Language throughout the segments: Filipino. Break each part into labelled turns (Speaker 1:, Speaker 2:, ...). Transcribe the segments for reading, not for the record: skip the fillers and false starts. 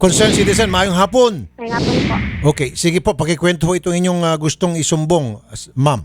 Speaker 1: Concerned citizen, maayong hapon.
Speaker 2: May hapon po.
Speaker 1: Okay, sige po, pakikwento po itong inyong gustong isumbong, ma'am.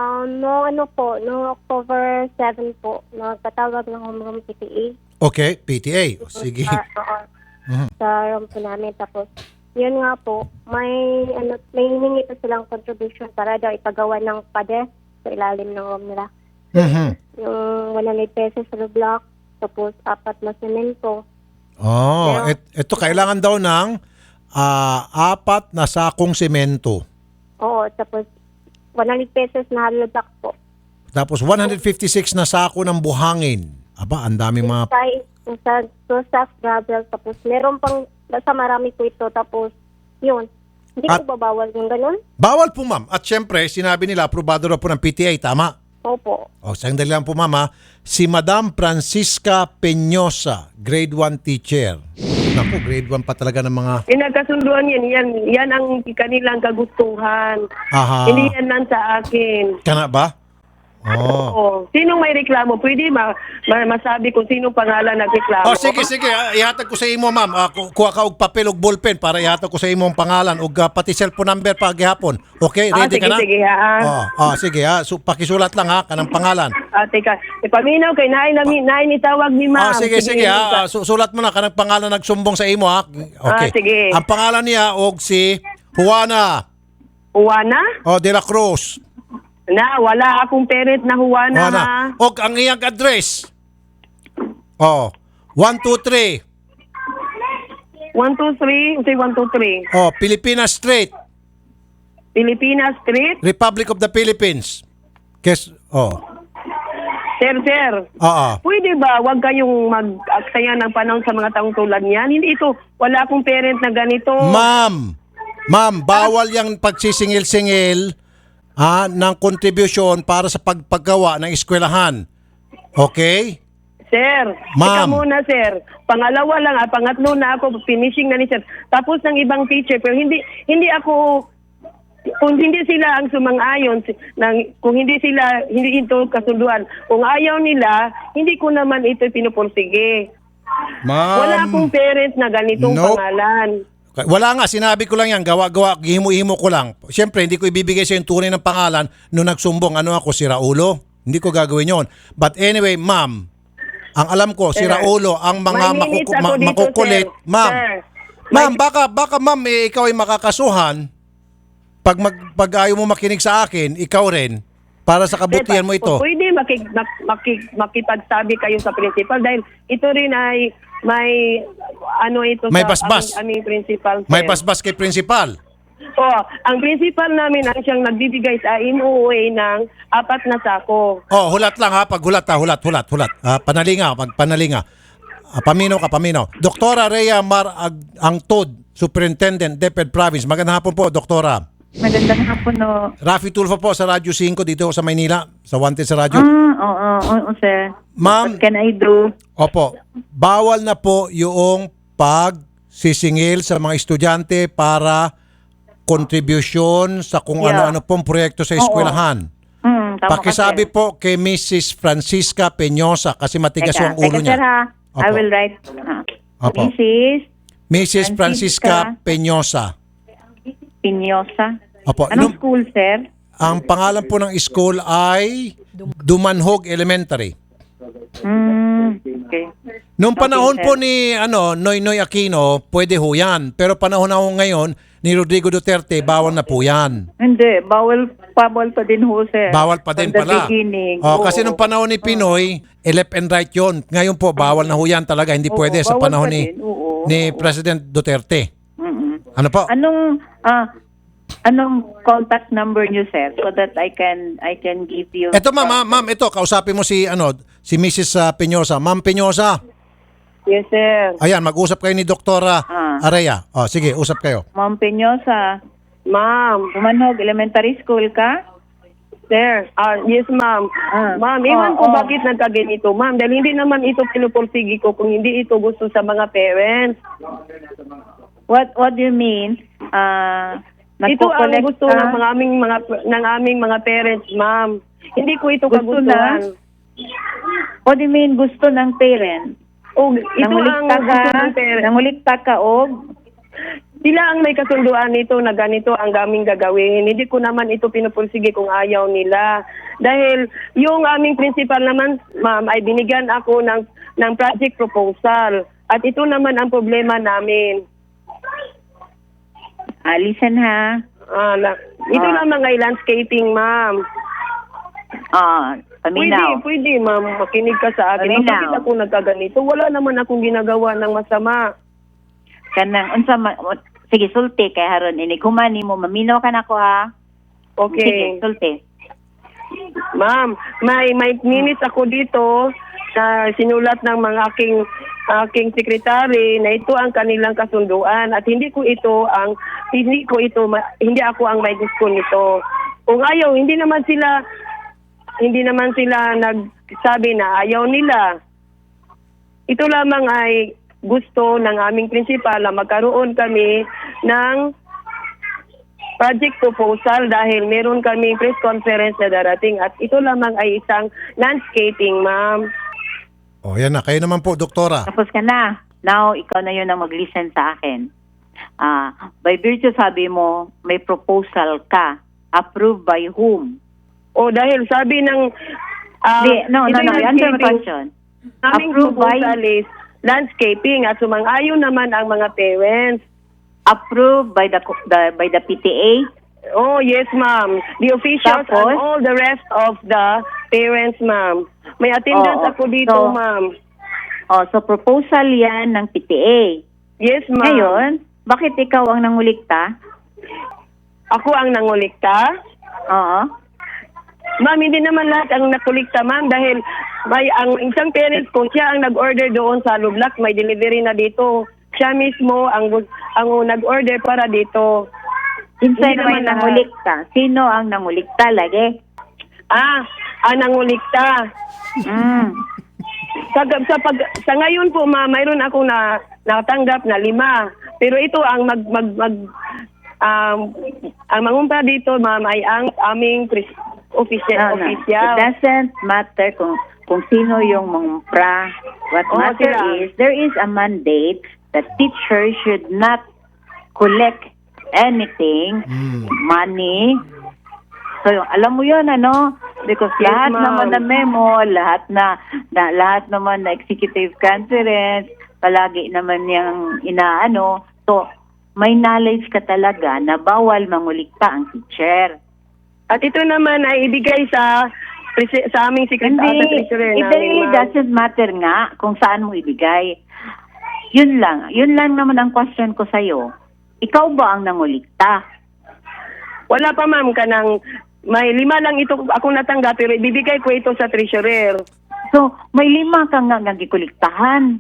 Speaker 2: No October 7 po, nagpatawag ng homeroom PTA.
Speaker 1: Okay, PTA. Sige.
Speaker 2: Sa room po namin. Tapos, yun nga po, may hiningi pa silang contribution para daw ipagawa ng pader sa ilalim ng room nila. Yung 100 pesos sa block, tapos 4 na semento.
Speaker 1: Oh, ito kailangan daw ng 4 na sakong semento.
Speaker 2: Oo, tapos 100 pesos na hollow block po.
Speaker 1: Tapos 156 na sako ng buhangin. Aba, ang daming mga...
Speaker 2: Sa soft gravel, tapos meron pang, basta marami po ito, tapos yun. Hindi
Speaker 1: At-
Speaker 2: ko babawal yung ganun?
Speaker 1: Bawal po, ma'am. At syempre, sinabi nila, aprobado na po ng PTA, tama?
Speaker 2: Opo.
Speaker 1: O, sandali lang po, mama. Si Madam Francisca Peñosa, grade 1 teacher. Naku, grade 1 pa talaga ng mga...
Speaker 3: Pinagkasunduan yan ang kanilang kagustuhan.
Speaker 1: Aha.
Speaker 3: Hindi yan lang sa akin.
Speaker 1: Kana ba? Oh.
Speaker 3: Oo. Sinong may reklamo? Pwede masabi kung sinong pangalan nagreklamo.
Speaker 1: Oh, sige. Ihatag ko sa imo, ma'am. Kuha ka og papel og ballpen para ihatag ko sa imo ang pangalan ug pati cellphone number pa gihapon. Okay, ready ka na?
Speaker 3: Sige,
Speaker 1: Sige ha. So, pakisulat lang ha kanang pangalan.
Speaker 3: Teka. Ipaminaw kay nain itawag ni ma'am.
Speaker 1: Sige ha. Sulat mo na kanang pangalan nagsumbong sa imo ha. Okay.
Speaker 3: Sige.
Speaker 1: Ang pangalan niya og si Juana
Speaker 3: Juana?
Speaker 1: de la Cruz.
Speaker 3: Wala akong parent na Juana, ha?
Speaker 1: Og ang iyang address. 123.
Speaker 3: 123? Say 123.
Speaker 1: Pilipinas Street,
Speaker 3: Pilipinas Street?
Speaker 1: Republic of the Philippines.
Speaker 3: Sir. Pwede ba wag kayong mag-aksaya ng panahon sa mga taong tulad niyan? Hindi ito, wala akong parent na ganito.
Speaker 1: Ma'am, bawal yung pagsisingil-singil ng contribution para sa paggawa ng eskwelahan. Okay?
Speaker 3: Sir,
Speaker 1: Ma'am.
Speaker 3: ikaw muna, sir. Pangalawa lang, pangatlo na ako, finishing na ni sir. Tapos ng ibang teacher, pero hindi ako, kung hindi sila ang sumang-ayon, kung hindi ito kasunduan, kung ayaw nila, hindi ko naman ito pinupursige.
Speaker 1: Ma'am.
Speaker 3: Wala akong parent na ganitong
Speaker 1: Nope.
Speaker 3: pangalan.
Speaker 1: Wala nga, sinabi ko lang yan, gawa-gawa, himo-himo ko lang. Siyempre, hindi ko ibibigay sa yung tunay ng pangalan nung nagsumbong. Ano ako, si Raulo? Hindi ko gagawin yon. But anyway, ma'am, ang alam ko, si Raulo, ang mga
Speaker 3: May minutes ako dito,
Speaker 1: makukulit.
Speaker 3: sir.
Speaker 1: Ma'am,
Speaker 3: Sir.
Speaker 1: ma'am, baka ma'am, ikaw ay makakasuhan. Pag ayaw mo makinig sa akin, ikaw rin, para sa kabutihan mo ito.
Speaker 3: Pwede makipagsabi kayo sa principal dahil ito rin ay may
Speaker 1: May basbas.
Speaker 3: aming principal.
Speaker 1: May
Speaker 3: sir.
Speaker 1: basbas kay principal.
Speaker 3: Ang principal namin ang siyang nagbibigay sa MOA ng 4 na sako.
Speaker 1: Hulat lang ha, paghulat ha, hulat. Panalinga. Paminaw ka. Doktora Rhea Angtod, Superintendent, DepEd Province. Magandang hapon po, Doktora.
Speaker 4: Magandang hapon, no.
Speaker 1: Rafi Tulfo po sa Radyo 5 dito sa Maynila, sa Wanted sa Radyo.
Speaker 4: Oo, sir.
Speaker 1: Ma'am.
Speaker 4: What can I do?
Speaker 1: Opo, bawal na po yung pagsisingil sa mga estudyante para contribution sa kung
Speaker 4: Yeah.
Speaker 1: ano-ano pong proyekto sa eskwelahan.
Speaker 4: Tama
Speaker 1: Pakisabi
Speaker 4: ka, sir.
Speaker 1: po kay Mrs. Francisca Peñosa kasi matigas yung ulo
Speaker 4: Teka, sir,
Speaker 1: niya.
Speaker 4: ha? I
Speaker 1: Opo.
Speaker 4: will write.
Speaker 1: Opo.
Speaker 4: Mrs.
Speaker 1: Francisca Peñosa.
Speaker 4: Pinyosa.
Speaker 1: Opo.
Speaker 4: Anong school, sir?
Speaker 1: Ang pangalan po ng school ay Dumanhog Elementary.
Speaker 4: Okay.
Speaker 1: Noong panahon
Speaker 4: Okay,
Speaker 1: po
Speaker 4: sir.
Speaker 1: ni Noynoy Aquino, pwede ho yan. Pero panahon na ho ngayon ni Rodrigo Duterte, bawal na po yan.
Speaker 4: Hindi, bawal pa din ho, sir.
Speaker 1: Bawal pa din
Speaker 4: From the
Speaker 1: pala.
Speaker 4: beginning.
Speaker 1: Kasi nung panahon ni Pinoy, left and right yon. Ngayon po, bawal na ho yan talaga. Hindi
Speaker 4: Oo,
Speaker 1: pwede sa
Speaker 4: bawal
Speaker 1: panahon
Speaker 4: pa
Speaker 1: ni,
Speaker 4: din. Oo.
Speaker 1: ni President Duterte. Ano po?
Speaker 4: Anong contact number niyo, sir, so that I can give you.
Speaker 1: Ito ma'am, ito, kausapin mo si Mrs. Peñosa. Ma'am Peñosa,
Speaker 3: Yes, sir.
Speaker 1: ayan, mag-usap kayo ni Doktora Area. Sige, usap kayo.
Speaker 4: Ma'am Peñosa,
Speaker 3: Ma'am.
Speaker 4: Dumanhog Elementary School ka?
Speaker 3: Sir. Yes, ma'am. Ma'am, iwan ko bakit nagkaganito, ma'am. Dahil hindi naman ito pinupursigi ko kung hindi ito gusto sa mga parents.
Speaker 4: What do you mean?
Speaker 3: Ito ang
Speaker 4: Nagko-collect
Speaker 3: gusto
Speaker 4: ka?
Speaker 3: ng aming mga parents, ma'am. Hindi ko ito
Speaker 4: Gusto
Speaker 3: kagustuhan.
Speaker 4: What do you mean gusto ng parent?
Speaker 3: Ito ang gusto ng parents.
Speaker 4: Nangulikta ka og
Speaker 3: Sila ang may kasunduan nito na ganito ang aming gagawin. Hindi ko naman ito pinupursige kung ayaw nila. Dahil yung aming principal naman, ma'am, ay binigyan ako ng project proposal. At ito naman ang problema namin.
Speaker 4: Listen ha.
Speaker 3: Ito naman ay landscaping, ma'am.
Speaker 4: Paminaw.
Speaker 3: Pwede, ma'am. Makinig ka sa akin.
Speaker 4: Paminaw.
Speaker 3: Bakit ako nagkaganito? Wala naman akong ginagawa ng masama.
Speaker 4: Kanang sige sulti kay haron ini kumani mo maminaw ka nako ha.
Speaker 3: Okay.
Speaker 4: Sige sulti.
Speaker 3: Ma'am, may minutes ako dito na sinulat ng mga aking sekretary na ito ang kanilang kasunduan at hindi ako ang may gusto nito. Kung ayaw, hindi naman sila nagsabi na ayaw nila. Ito lamang ay gusto ng aming principal na magkaroon kami ng project proposal dahil meron kami press conference na darating at ito lamang ay isang landscaping, ma'am.
Speaker 1: O, yan na. Kayo naman po, doktora.
Speaker 4: Tapos ka na. Now ikaw na yun ang mag-listen sa akin. By virtue sabi mo may proposal ka. Approved by whom?
Speaker 3: O dahil sabi ng
Speaker 4: No.
Speaker 3: ito yung
Speaker 4: Answer my
Speaker 3: landscaping.
Speaker 4: question.
Speaker 3: Aming
Speaker 4: Approved by
Speaker 3: proposal is landscaping at sumang-ayon naman ang mga parents.
Speaker 4: approved by the PTA.
Speaker 3: Oh, yes, ma'am. The officials
Speaker 4: Tapos?
Speaker 3: and all the rest of the parents, ma'am. May attendance
Speaker 4: Oo.
Speaker 3: ako dito,
Speaker 4: So,
Speaker 3: ma'am.
Speaker 4: So proposal yan ng PTA.
Speaker 3: Yes, ma'am.
Speaker 4: Ngayon, bakit ikaw ang nangulikta?
Speaker 3: Ako ang nangulikta?
Speaker 4: Oo.
Speaker 3: Ma'am, hindi naman lahat ang nakulikta, ma'am, dahil ang isang parents ko, siya ang nag-order doon sa Lublak, may delivery na dito. Siya mismo ang nag-order para dito.
Speaker 4: Sinsay
Speaker 3: Hindi
Speaker 4: naman
Speaker 3: naman
Speaker 4: nangulikta? Sino ang nangulikta lagi?
Speaker 3: Ang nangulikta. Sa ngayon po, ma'am, mayroon akong natanggap na 5. Pero ito ang ang mangumpra dito, ma'am, ay ang aming official.
Speaker 4: It doesn't matter kung sino yung mangumpra. What matter
Speaker 3: sila.
Speaker 4: is, there is a mandate that teachers should not collect anything, money. So, alam mo yun, ano? Because
Speaker 3: Yes,
Speaker 4: lahat
Speaker 3: ma'am.
Speaker 4: naman na memo, lahat naman na executive conference, palagi naman yung inaano. So, may knowledge ka talaga na bawal mangulikta ang teacher.
Speaker 3: At ito naman ay ibigay sa aming secretary.
Speaker 4: It really doesn't matter nga kung saan mo ibigay. Yun lang naman ang question ko sa'yo. Ikaw ba ang nangulikta?
Speaker 3: Wala pa, ma'am, may 5 lang ito ako natanggap pero ibibigay ko ito sa treasurer.
Speaker 4: So, may 5 kang nga nagikuliktahan.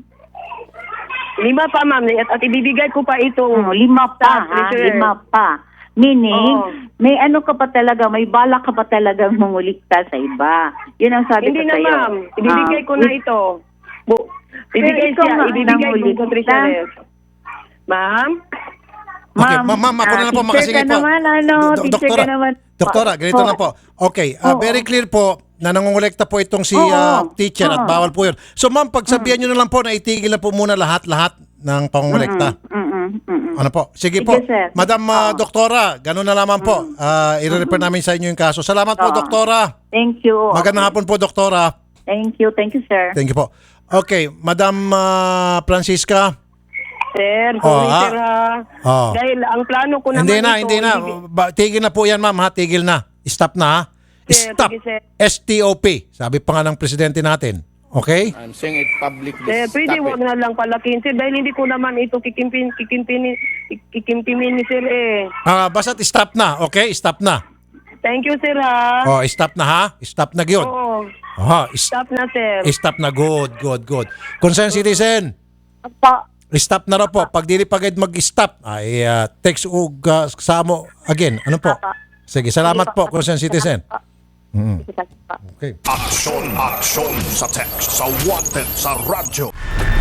Speaker 3: 5 pa, ma'am, at ibibigay ko pa ito.
Speaker 4: 5 pa, ha? 5 pa. Meaning, may ano ka pa talaga, may bala ka pa talaga mangulikta sa iba. Yun ang sabi
Speaker 3: Hindi
Speaker 4: ko
Speaker 3: na,
Speaker 4: sa'yo.
Speaker 3: ma'am. Ibibigay ko na ito. Ibibigay ko sa treasurer. Ma'am?
Speaker 1: Okay, ma'am, ako na lang po makasige po.
Speaker 4: Teacher ka naman, teacher ka naman.
Speaker 1: Doktora, ganito na po. Okay, very clear po na nangungulekta po itong si teacher at bawal po yun. So ma'am, pagsabihan nyo na lang po na itigil na po muna lahat ng pangungulekta. Ano po? Sige po.
Speaker 4: sir.
Speaker 1: Madam Doktora, ganun na lamang po. I-refer namin sa inyo yung kaso. Salamat po, Doktora.
Speaker 4: Thank you.
Speaker 1: Magandang hapon po, Doktora.
Speaker 4: Thank you, sir.
Speaker 1: Thank you po. Okay, Madam Francisca.
Speaker 3: Sir, sorry,
Speaker 1: ha?
Speaker 3: sir, ha? Dahil ang plano ko naman
Speaker 1: Hindi na. Tigil na po yan, ma'am, ha? Tigil na. Stop na, ha?
Speaker 3: Sir,
Speaker 1: Stop.
Speaker 3: sige, sir.
Speaker 1: STOP. Sabi pa nga ng presidente natin. Okay?
Speaker 5: I'm saying it publicly.
Speaker 3: Sir, pwede
Speaker 5: Stop
Speaker 3: wag
Speaker 5: it.
Speaker 3: na lang palakin, sir, dahil hindi ko naman ito kikimpimin, sir, eh.
Speaker 1: Basta't stop na. Okay? Stop na.
Speaker 3: Thank you, sir, ha?
Speaker 1: Stop na, ha? Stop na yun.
Speaker 3: Oo.
Speaker 1: Stop.
Speaker 3: Stop na, sir.
Speaker 1: Stop na. Good. Concerned citizen. Stop na raw po. Pag dili pagad mag-stop, ay text o sa mo again. Ano po? Sige, salamat po, concerned citizen. Okay.
Speaker 6: Aksyon sa text, sa wanted, sa radyo.